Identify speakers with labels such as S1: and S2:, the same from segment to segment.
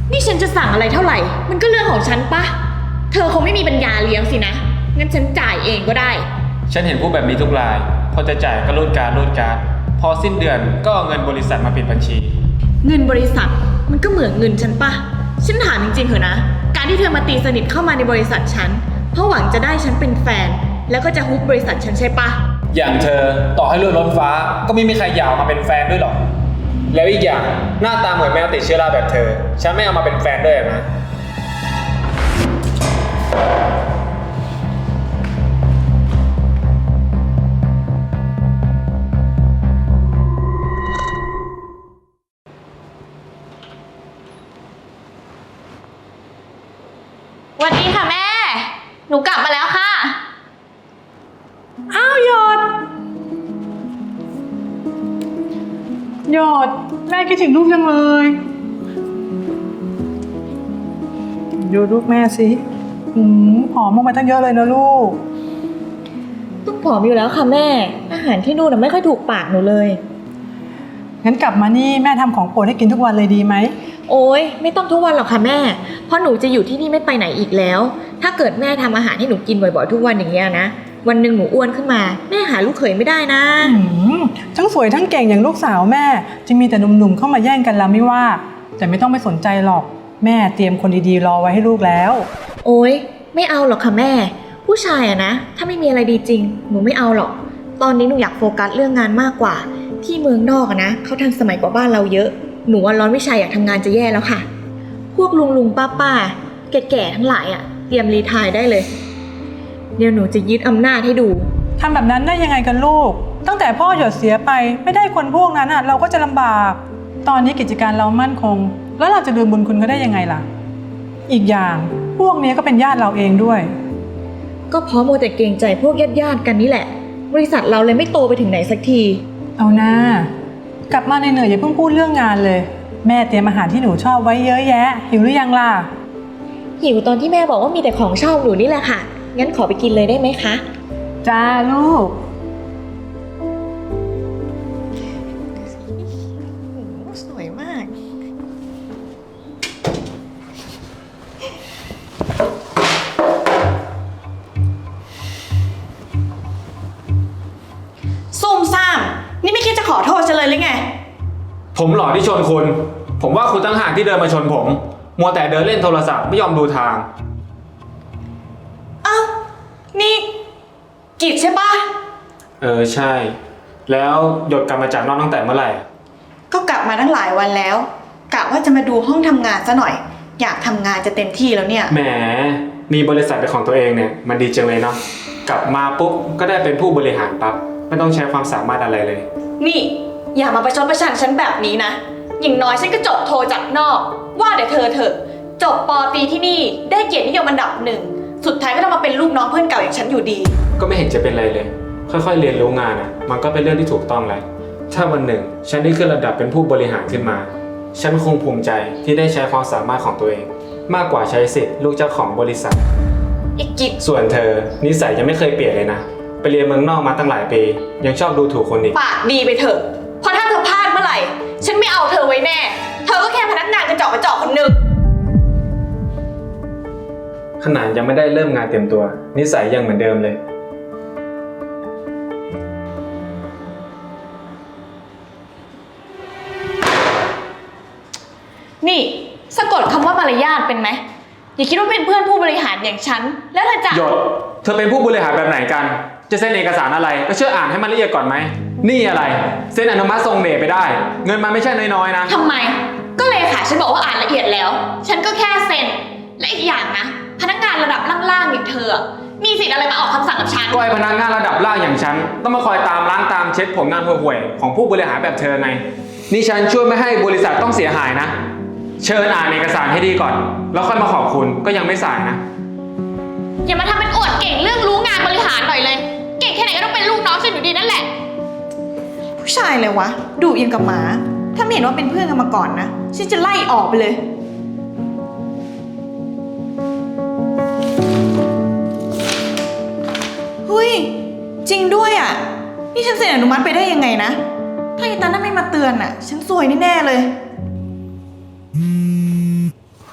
S1: นี่ฉันจะสั่งอะไรเท่าไหร่มันก็เรื่องของฉันปะเธอคงไม่มีปัญญาเลี้ยงสินะงั้นฉันจ่ายเองก็ได้
S2: ฉันเห็นผู้แบบนี้ทุกรายพอจะจ่ายก็รูดการ์ดพอสิ้นเดือนก็เอาเงินบริษัทมาปิดบัญชี
S1: เงินบริษัทมันก็เหมือนเงินฉันปะฉันถามจริงๆเถอะนะการที่เธอมาตีสนิทเข้ามาในบริษัทฉันเพราะหวังจะได้ฉันเป็นแฟนแล้วก็จะฮุบบริษัทฉันใช่ปะ
S2: อย่างเธอต่อให้รวยล้นฟ้าก็ไม่มีใครอยากมาเป็นแฟนด้วยหรอกแล้วอีกอย่างหน้าตาเหมือนแมวติดเชื้อราแบบเธอฉันไม่เอามาเป็นแฟนด้วยนะ
S1: สวัสดีค่ะแม่หนูกลับมาแล้วค่ะ
S3: อ้าวหยดแม่คิดถึงลูกจังเลยดูลูกแม่สิผอมลงไปตั้งเยอะเลยนะลูก
S1: ต้องผอมอยู่แล้วค่ะแม่อาหารที่นู่นไม่ค่อยถูกปากหนูเลย
S3: งั้นกลับมานี่แม่ทำของโปรดให้กินทุกวันเลยดีไหม
S1: โอ๊ยไม่ต้องทุกวันหรอกค่ะแม่เพราะหนูจะอยู่ที่นี่ไม่ไปไหนอีกแล้วถ้าเกิดแม่ทำอาหารให้หนูกินบ่อยๆทุกวันอย่างเงี้ยนะวันหนึ่งหนูอ้วนขึ้นมาแม่หาลูกเขยไม่ได้นะ
S3: ทั้งสวยทั้งเก่งอย่างลูกสาวแม่จะมีแต่หนุ่มๆเข้ามาแย่งกันแล้วไม่ว่าแต่ไม่ต้องไปสนใจหรอกแม่เตรียมคนดีๆรอไว้ให้ลูกแล้ว
S1: โอ๊ยไม่เอาหรอกค่ะแม่ผู้ชายอะนะถ้าไม่มีอะไรดีจริงหนูไม่เอาหรอกตอนนี้หนูอยากโฟกัสเรื่องงานมากกว่าที่เมืองนอกอะนะเขาทันสมัยกว่าบ้านเราเยอะหนูว่าร้อนวิชาอยากทำงานจะแย่แล้วค่ะพวกลุงป้าแก่ๆทั้งหลายอะเตรียมรีไทร์ได้เลยเดี๋ยวหนูจะยึดอำนาจให้ดู
S3: ทำแบบนั้นได้ยังไงกันลูกตั้งแต่พ่อหยดเสียไปไม่ได้คนพวกนั้นเราก็จะลำบากตอนนี้กิจการเรามั่นคงแล้วเราจะลืมบุญคุณเขาได้ยังไงล่ะอีกอย่างพวกนี้ก็เป็นญาติเราเองด้วย
S1: ก็เพราะโมแต่เกรงใจพวกญาติกันนี่แหละบริษัทเราเลยไม่โตไปถึงไหนสักที
S3: เอานะกลับมาเหนื่อยๆอย่าเพิ่งพูดเรื่องงานเลยแม่เตรียมอาหารที่หนูชอบไว้เยอะแยะหิวหรือยังล่ะ
S1: หิวตอนที่แม่บอกว่ามีแต่ของชอบหนูนี่แหละค่ะงั้นขอไปกินเลยได้ไหมคะ
S3: จ้าลูก
S1: สวยมากซุ่มซ่ามนี่ไม่คิดจะขอโทษฉันเลยหรือไง
S2: ผมหล่อที่ชนคุณผมว่าคุณตั้งหากที่เดินมาชนผมมัวแต่เดินเล่นโทรศัพท์ไม่ยอมดูทาง
S1: อ้าวนี่กิจใช่ปะ
S2: ใช่แล้วหยดกลับมาจากนอกตั้งแต่เมื่อไหร่
S1: ก็กลับมาตั้งหลายวันแล้วกะว่าจะมาดูห้องทำงานซะหน่อยอยากทำงานจะเต็มที่แล้วเนี่ย
S2: แหมมีบริษัทเป็นของตัวเองเนี่ยมันดีจังเลยเนาะกลับมาปุ๊บก็ได้เป็นผู้บริหารปั๊บไม่ต้องใช้ความสามารถอะไรเลย
S1: นี่อย่ามาประชดประชันฉันแบบนี้นะอย่างน้อยฉันก็จบโทจากนอกว่าแต่เธอเถอะจบป.ตรีที่นี่ได้เกียรตินิยมอันดับหนึ่งสุดท้ายก็ต้องมาเป็นลูกน้องเพื่อนเก่าอย่างฉันอยู่ดี
S2: ก็ไม่เห็นจะเป็นไรเลยค่อยๆเรียนรู้งานมันก็เป็นเรื่องที่ถูกต้องแล้วถ้าวันหนึ่งฉันได้ขึ้นระดับเป็นผู้บริหารขึ้นมาฉันคงภูมิใจที่ได้ใช้ความสามารถของตัวเองมากกว่าใช้สิทธิ์ลูกเจ้าของบริษัท
S1: อีกกิจ
S2: ส่วนเธอนิสัยยังไม่เคยเปลี่ยนเลยนะไปเรียนเมืองนอกมาตั้งหลายปียังชอบดูถูกคนอีก
S1: ปากดีไปเถอะเพราะถ้าเธอพลาดเมื่อไหร่ฉันไม่เอาเธอไว้แน่เธอก็แค่พนักงานกระจอกคนหนึ่ง
S2: ขนาดยังไม่ได้เริ่มงานเต็มตัวนิสัยยังเหมือนเดิมเลย
S1: นี่สะกดคำว่ามารยาทเป็นไหมอย่าคิดว่าเป็นเพื่อนผู้บริหารอย่างฉันแล้วเธอจะ
S2: หยดเธอเป็นผู้บริหารแบบไหนกันจะเซ็นเอกสารอะไรก็เชื่ออ่านให้มันละเอียดก่อนไหมนี่อะไรเซ็นอนุมัติทรงเดชไปได้เงินมันไม่ใช่น้อยๆนะ
S1: ทำไมก็เลยค่ะฉันบอกว่าอ่านละเอียดแล้วฉันก็แค่เซ็นและอีกอย่างนะพนักงานระดับล่างๆอย่างเธอมีสิทธิ์อะไรมาออกคำสั่งกับฉัน
S2: ก็ไอ้พนักงานระดับล่างอย่างฉันต้องมาคอยตามล้างตามเช็ดผลงานห่วยๆของผู้บริหารแบบเธอไงนี่ฉันช่วยไม่ให้บริษัทต้องเสียหายนะเชิญอ่านเอกสารให้ดีก่อนแล้วค่อยมาขอบคุณก็ยังไม่สายนะ
S1: อย่ามาทำเป็นอวดเก่งเรื่องรู้งานบริหารหน่อยเลยเก่งแค่ไหนก็ต้องเป็นลูกน้องฉันอยู่ดีนั่นแหละผู้ชายเลยวะดุยังกับหมาถ้าไม่เห็นว่าเป็นเพื่อนกันมาก่อนนะฉันจะไล่ออกไปเลยเฮ้ยจริงด้วยอ่ะนี่ฉันเซ็นอนุมัติไปได้ยังไงนะถ้าไอ้ตานั่นไม่มาเตือนอ่ะฉันซวยแน่ๆเลย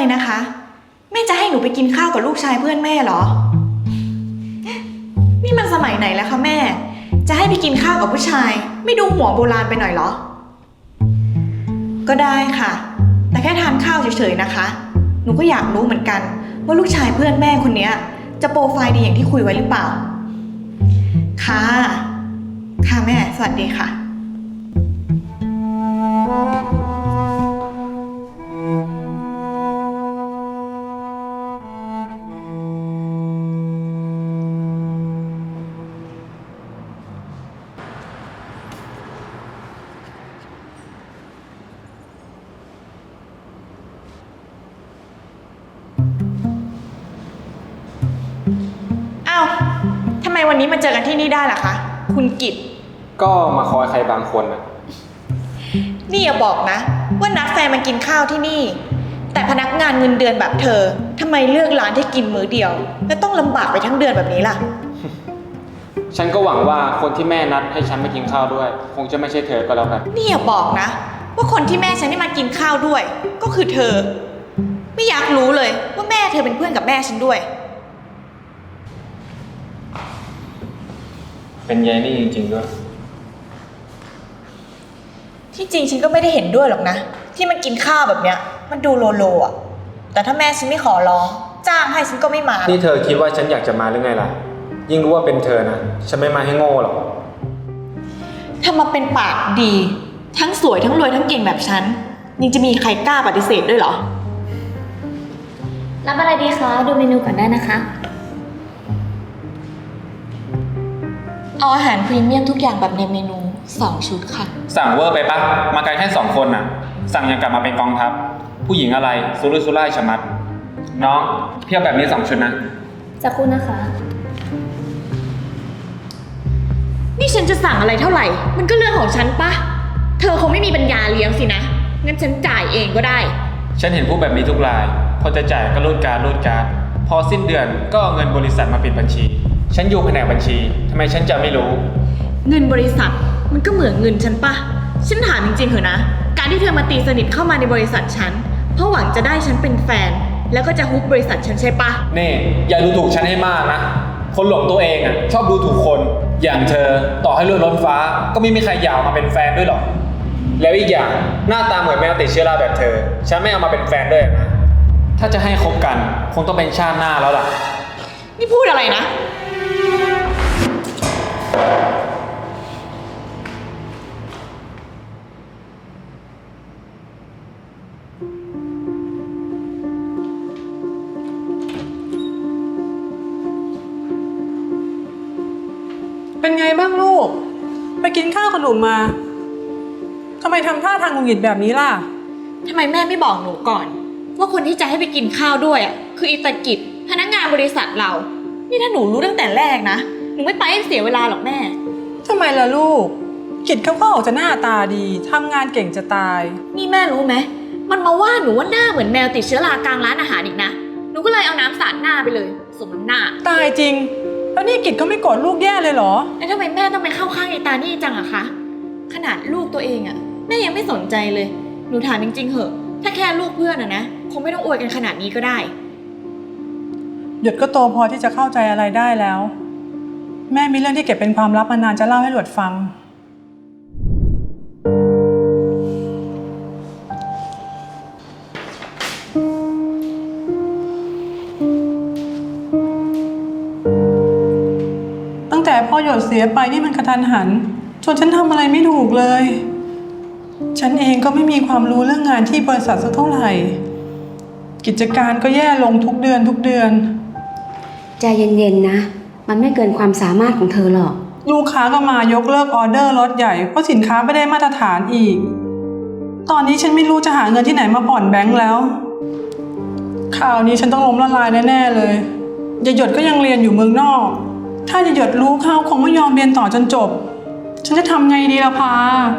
S2: ก็มาคอยใครบางคนนะ
S1: นี่อย่าบอกนะ ว่านัดแฟนมากินข้าวที่นี่ แต่พนักงานเงินเดือนแบบเธอทำไมเลือกร้านที่กินมื้อเดียว และต้องลำบากไปทั้งเดือนแบบนี้ล่ะ
S2: ฉันก็หวังว่าคนที่แม่นัดให้ฉันมากินข้าวด้วย คงจะไม่ใช่เธอก็แล้วกัน
S1: นี่อย่าบอกนะ ว่าคนที่แม่ฉันได้มากินข้าวด้วย ก็คือเธอ ไม่อยากรู้เลยว่าแม่เธอเป็นเพื่อนกับแม่ฉันด้วย
S2: เป็นยายนี่จริงๆด้วย
S1: ที่จริงฉันก็ไม่ได้เห็นด้วยหรอกนะ ที่มันกินข้าวแบบเนี้ย มันดูโลโลอ่ะ แต่ถ้าแม่ฉันไม่ขอร้อง จ้างให้ฉันก็ไม่มาหรอก
S2: นี่เธอคิดว่าฉันอยากจะมาหรือไงล่ะ ยิ่งรู้ว่าเป็นเธอนะ ฉันไม่มาให้โง่หรอก
S1: ถ้ามาเป็นปากดี ทั้งสวยทั้งรวยทั้งเก่งแบบฉันยังจะมีใครกล้าปฏิเสธด้วยเหรอ
S4: รับอะไรดีคะ ดูเมนูก่อนได้นะคะ
S1: เอาอาหารพรีเมียมทุกอย่างแบบในเมนู 2 ชุดค่ะ
S2: สั่งเวอร์ไปปะมากันแค่2 คนน่ะ สั่งอย่างกลับมาเป็นกองทัพ ผู้หญิงอะไรสุรุ่ยสุร่ายชะมัด น้องเพียบแบบนี้2 ชุดนะ
S4: จะคุณนะคะ
S1: นี่ฉันจะสั่งอะไรเท่าไหร่ มันก็เรื่องของฉันปะ เธอคงไม่มีปัญญาเลี้ยงสินะ งั้นฉันจ่ายเองก็ได้
S2: ฉันเห็นผู้แบบนี้ทุกราย พอจะจ่ายก็รูดการ์ดพอสิ้นเดือนก็เอาเงินบริษัทมาปิดบัญชี ฉันอยู่แผนกบัญชีทำไมฉันจะไม่รู้
S1: เงินบริษัทมันก็เหมือนเงินฉันปะ ฉันถามจริงๆเถอะนะ การที่เธอมาตีสนิทเข้ามาในบริษัทฉัน เพราะหวังจะได้ฉันเป็นแฟน แล้วก็จะฮุบบริษัทฉันใช่ปะ
S2: นี่อย่าดูถูกฉันให้มากนะ คนหลงตัวเองอ่ะชอบดูถูกคน อย่างเธอต่อให้รวยล้นฟ้าก็ไม่มีใครอยากมาเป็นแฟนด้วยหรอก แล้วอีกอย่างหน้าตาเหมือนแมวติดเชื้อราแบบเธอ ฉันไม่เอามาเป็นแฟนด้วยนะ ถ้าจะให้คบกันคงต้องเป็นชาติหน้าแล้วล่ะ
S1: นี่พูดอะไรนะ
S3: เป็นไงบ้างลูก ไปกินข้าวกับหนูมาทำไมทำท่าทางหงุดหงิดแบบนี้ล่ะ
S1: ทำไมแม่ไม่บอกหนูก่อน ว่าคนที่จะให้ไปกินข้าวด้วยอ่ะคืออิตากิจพนักงานบริษัทเรา นี่ถ้าหนูรู้ตั้งแต่แรกนะ หนูไม่ไปให้เสียเวลาหรอกแม่
S3: ทำไมล่ะลูก กิจเขาก็ออกจะหน้าตาดีทำงานเก่งจะตาย
S1: นี่แม่รู้ไหม มันมาว่าหนูว่าหน้าเหมือนแมวติดเชื้อรากลางร้านอาหารอีกนะ หนูก็เลยเอาน้ำสาดหน้าไปเลย สมน้ำหน้า
S3: ตายจริง แล้วนี่กิจเขาไม่โกรธลูกแย่เลยเหรอ
S1: แล้วทำไมแม่ต้องไปเข้าข้างไอ้ตานี่จังอะคะ ขนาดลูกตัวเองอะแม่ยังไม่สนใจเลย หนูถามจริงๆเหอะ ถ้าแค่ลูกเพื่อนอะนะ คงไม่ต้องอวยกันขนาดนี้ก็ได้
S3: หยดก็โตพอที่จะเข้าใจอะไรได้แล้ว แม่มีเรื่องที่เก็บเป็นความลับมานานจะเล่าให้หยดฟัง ตั้งแต่พ่อหยดเสียไปนี่มันกระทันหันจนฉันทำอะไรไม่ถูกเลย ฉันเองก็ไม่มีความรู้เรื่องงานที่บริษัทสักเท่าไหร่ กิจการก็แย่ลงทุกเดือน
S5: ใจเย็นๆนะ มันไม่เกินความสามารถของเธอหรอก
S3: ลูกค้าก็มายกเลิกออเดอร์ล็อตใหญ่เพราะสินค้าไม่ได้มาตรฐานอีก ตอนนี้ฉันไม่รู้จะหาเงินที่ไหนมาผ่อนแบงค์แล้ว ข่าวนี้ฉันต้องล้มละลายแน่ๆเลยยายหยดก็ยังเรียนอยู่เมืองนอก ถ้ายายหยดรู้เขาคงไม่ยอมเรียนต่อจนจบ ฉันจะทำไงดีล่ะพา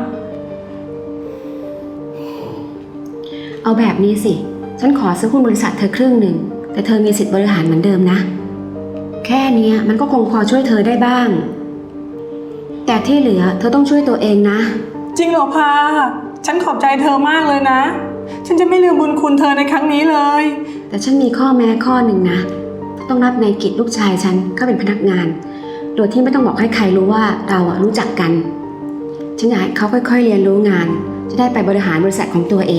S5: เอาแบบนี้สิ ฉันขอซื้อหุ้นบริษัทเธอครึ่งหนึ่ง แต่เธอมีสิทธิ์บริหารเหมือนเดิมนะ แค่เนี้ยมันก็คงพอช่วยเธอได้บ้าง แต่ที่เหลือเธอต้องช่วยตัวเองนะ
S3: จริงเหรอพา ฉันขอบใจเธอมากเลยนะฉันจะไม่ลืมบุญคุณเธอในครั้งนี้เลย
S5: แต่ฉันมีข้อแม้ข้อหนึ่งนะ ต้องรับนายกิจลูกชายฉันเข้าเป็นพนักงาน โดยที่ไม่ต้องบอกให้ใครรู้ว่าเรารู้จักกัน ฉันอยากให้เขาค่อยๆเรียนรู้งาน จะได้ไปบริหารบริษัทของตัวเอง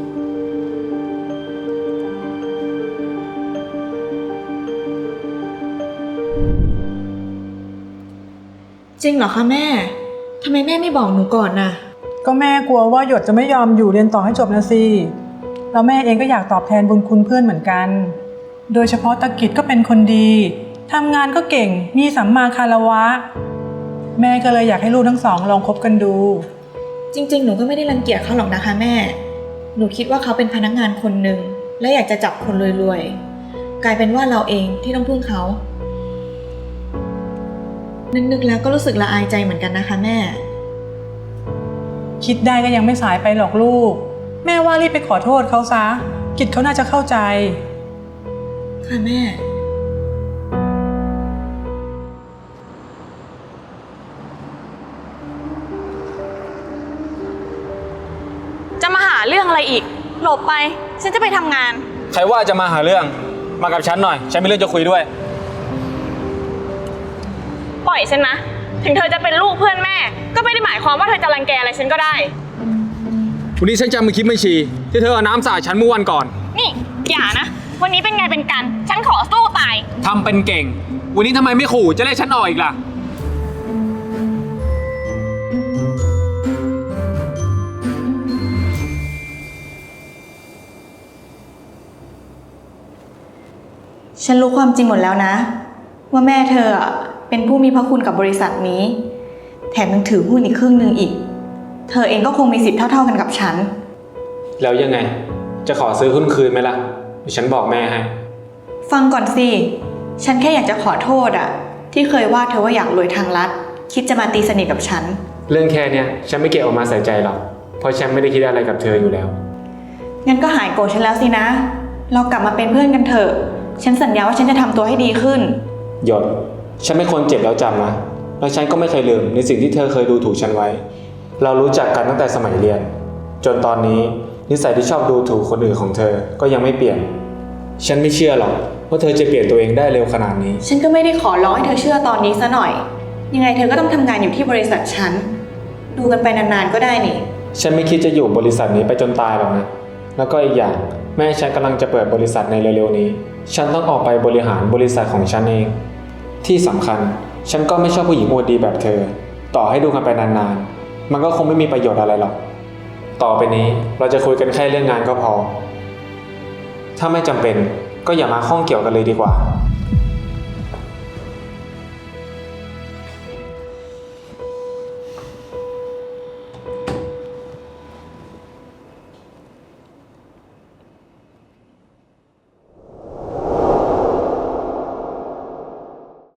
S1: จริงเหรอคะแม่ทำไมแม่ไม่บอกหนูก่อนน่ะ
S3: ก็แม่กลัวว่าหยดจะไม่ยอมอยู่เรียนต่อให้จบนะสิแล้วแม่เองก็อยากตอบแทนบุญคุณเพื่อนเหมือนกัน โดยเฉพาะตะกิจก็เป็นคนดีทำงานก็เก่งมีสัมมาคารวะ แม่ก็เลยอยากให้ลูกทั้งสองลองคบกันดู
S1: จริงๆ หนูก็ไม่ได้รังเกียจเขาหรอกนะคะแม่ หนูคิดว่าเขาเป็นพนักงานคนหนึ่งและอยากจะจับคนรวยๆ กลายเป็นว่าเราเองที่ต้องพึ่งเขา นึกๆ แล้วก็รู้สึกละอายใจเหมือนกันนะคะแม่
S3: คิดได้ก็ยังไม่สายไปหรอกลูก แม่ว่ารีบไปขอโทษเขาซะกิจเขาน่าจะเข้าใจ
S1: ค่ะแม่
S6: จะมาหาเรื่องอะไรอีก หลบไป ฉันจะไปทำงาน
S2: ใครว่าจะมาหาเรื่อง มากับฉันหน่อย ฉันมีเรื่องจะคุยด้วย
S6: ปล่อยฉันนะ ถึงเธอจะเป็นลูกเพื่อนแม่ ก็ไม่ได้หมายความว่าเธอจะรังแกอะไรฉันก็ได้
S2: วันนี้ฉันจำมือคลิปบัญชีที่เธอเอาน้ำสาดฉันเมื่อวันก่อน
S6: นี่อย่านะ วันนี้เป็นไงเป็นกัน ฉันขอสู้ตาย
S2: ทำเป็นเก่ง วันนี้ทำไมไม่ขู่จะไล่ฉันออกอีกล่ะ
S1: ฉันรู้ความจริงหมดแล้วนะ ว่าแม่เธอเป็นผู้มีพระคุณกับบริษัทนี้ แถมยังถือหุ้นอีกครึ่งหนึ่งอีก เธอเองก็คงมีสิทธิ์เท่าๆกันกับฉัน
S2: แล้วยังไง จะขอซื้อหุ้นคืนไหมล่ะเดี๋ยวฉันบอกแม่ให้
S1: ฟังก่อนสิ ฉันแค่อยากจะขอโทษที่เคยว่าเธอว่าอยากรวยทางลัด คิดจะมาตีสนิทกับฉัน
S2: เรื่องแค่เนี้ยฉันไม่เก็บออกมาใส่ใจหรอก เพราะฉันไม่ได้คิดอะไรกับเธออยู่แล้ว
S1: งั้นก็หายโกรธฉันแล้วสินะ เรากลับมาเป็นเพื่อนกันเถอะ ฉันสัญญาว่าฉันจะทำตัวให้ดีขึ้น
S2: หยด ฉันไม่คนเจ็บแล้วจำนะ แล้วฉันก็ไม่เคยลืมในสิ่งที่เธอเคยดูถูกฉันไว้ เรารู้จักกันตั้งแต่สมัยเรียน จนตอนนี้นิสัยที่ชอบดูถูกคนอื่นของเธอก็ยังไม่เปลี่ยน ฉันไม่เชื่อหรอกว่าเธอจะเปลี่ยนตัวเองได้เร็วขนาดนี้
S1: ฉันก็ไม่ได้ขอร้องให้เธอเชื่อตอนนี้ซะหน่อย ยังไงเธอก็ต้องทำงานอยู่ที่บริษัทฉัน ดูกันไปนานๆก็ได้นี่
S2: ฉันไม่คิดจะอยู่บริษัทนี้ไปจนตายหรอกนะ แล้วก็อีกอย่างแม่ฉันกำลังจะเปิดบริษัทในเร็วๆนี้ ฉันต้องออกไปบริหารบริษัทของฉันเอง ที่สำคัญฉันก็ไม่ชอบผู้หญิงอวดดีแบบเธอ ต่อให้ดูกันไปนานๆ มันก็คงไม่มีประโยชน์อะไรหรอก ต่อไปนี้เราจะคุยกันแค่เรื่องงานก็พอ ถ้าไม่จำเป็นก็อย่ามาข้องเกี่ยวกันเลยดีกว่า